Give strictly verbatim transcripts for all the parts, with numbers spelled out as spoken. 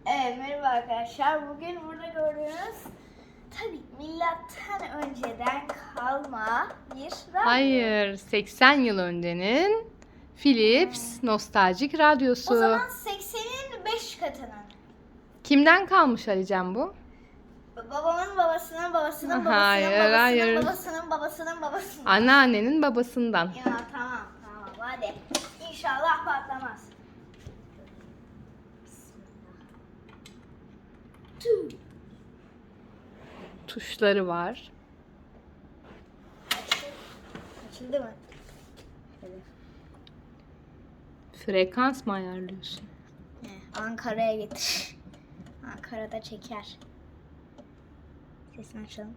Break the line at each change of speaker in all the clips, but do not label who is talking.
Evet, merhaba arkadaşlar. Bugün burada gördüğünüz tabii milattan önceden kalma bir radyo.
Hayır, seksen yıl öncenin Philips nostaljik radyosu.
O zaman seksenin beş katının.
Kimden kalmış Alican bu?
Babamın babasının babasının babasının
Hayır,
babasının
hayır.
babasının babasının babasının.
Anneannenin babasından.
Ya tamam tamam hadi. İnşallah patlamaz. Tüh.
Tuşları var.
Açıldı mı? Evet.
Frekans mı ayarlıyorsun?
He, Ankara'ya getir. Ankara'da çeker. Sesini açalım.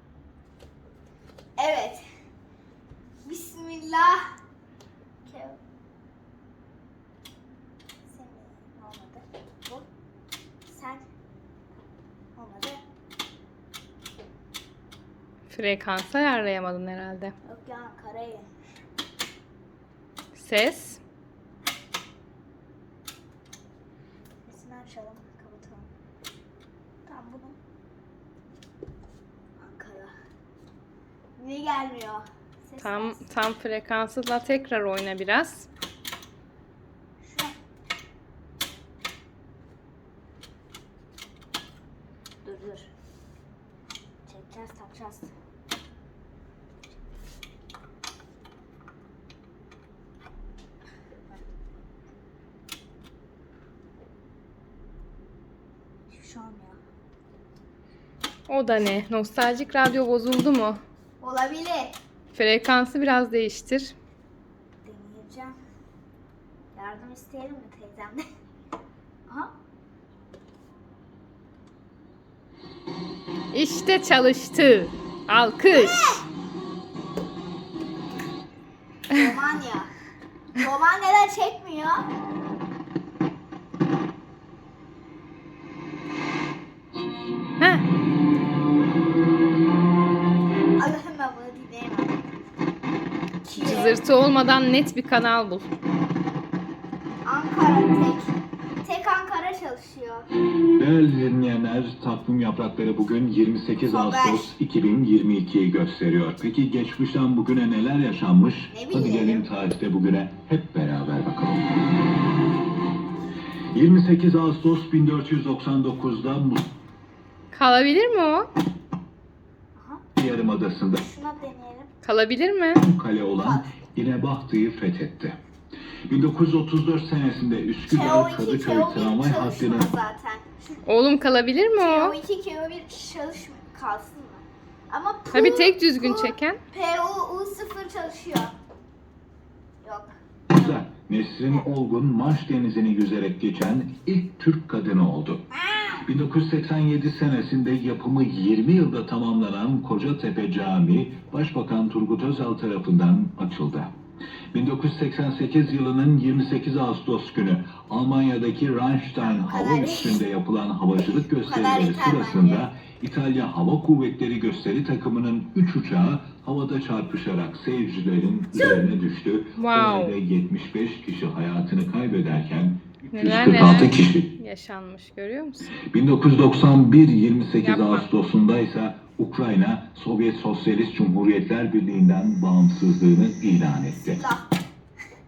Evet. Bismillah. Kev- Sen olmadı. Bu. Sen olmadı.
Frekansı ayarlayamadın herhalde.
Yok ya Ankara'ya gelmiş.
Ses.
Sesini açalım. Kapatalım. Tamam bunu. Ankara. Niye gelmiyor? Ses
Tam
gelsin.
tam frekansıyla tekrar oyna biraz.
Şu. Dur dur. Çekeceğiz takacağız. Hiçbir şey olmuyor.
O da ne? Nostaljik radyo bozuldu mu?
Olabilir.
Frekansı biraz değiştir.
Deneyeceğim. Yardım isteyelim mi teyzemden? Aha.
İşte çalıştı. Alkış.
Romanya. Romanya'da çekmiyor.
Heh.
Allah'ım ben bunu dinleyemem. Kiev,
Cızırtı olmadan net bir kanal bul.
Ankara tek. Tek Ankara çalışıyor.
Değerli dinleyenler, takvim yaprakları bugün yirmi sekiz
Haber.
Ağustos iki bin yirmi ikiyi gösteriyor. Peki geçmişten bugüne neler yaşanmış?
Ne
Hadi
bileyim.
gelin tarihte bugüne hep beraber bakalım. yirmi sekiz Ağustos bin dört yüz doksan dokuz'da
Kalabilir mi o?
Aha.
Yarımadası'nda
Şuna deneyelim.
Kalabilir mi?
kale olan İnebahtı'yı fethetti. bin dokuz yüz otuz dört senesinde
K O
Üsküdar
iki,
Kadıköy
K O bir
tramvay
çalışmıyor
hattının
zaten. Şu
Oğlum kalabilir mi
K
o?
O iki, K O bir çalışmıyor. Kalsın mı? Ama P
Tabii tek düzgün
P-
çeken.
P O U sıfır çalışıyor. Yok.
Güzel. Nesrin Olgun Marş Denizi'ni yüzerek geçen ilk Türk kadını oldu. bin dokuz yüz seksen yedi senesinde yapımı yirmi yılda tamamlanan Kocatepe Camii Başbakan Turgut Özal tarafından açıldı. bin dokuz yüz seksen sekiz yılının yirmi sekiz Ağustos günü Almanya'daki Rheinstein hava üssünde yapılan havacılık gösterileri
yeter
sırasında
bence.
İtalya Hava Kuvvetleri gösteri takımının üç uçağı havada çarpışarak seyircilerin üzerine düştü.
Wow.
Olayda yetmiş beş kişi hayatını kaybederken
Neler
üç yüz kırk altı
neler
kişi.
yaşanmış görüyor musun?
bin dokuz yüz doksan bir yirmi sekiz
Yapma.
Ağustos'unda ise Ukrayna Sovyet Sosyalist Cumhuriyetler Birliği'nden bağımsızlığını ilan etti.
Silah.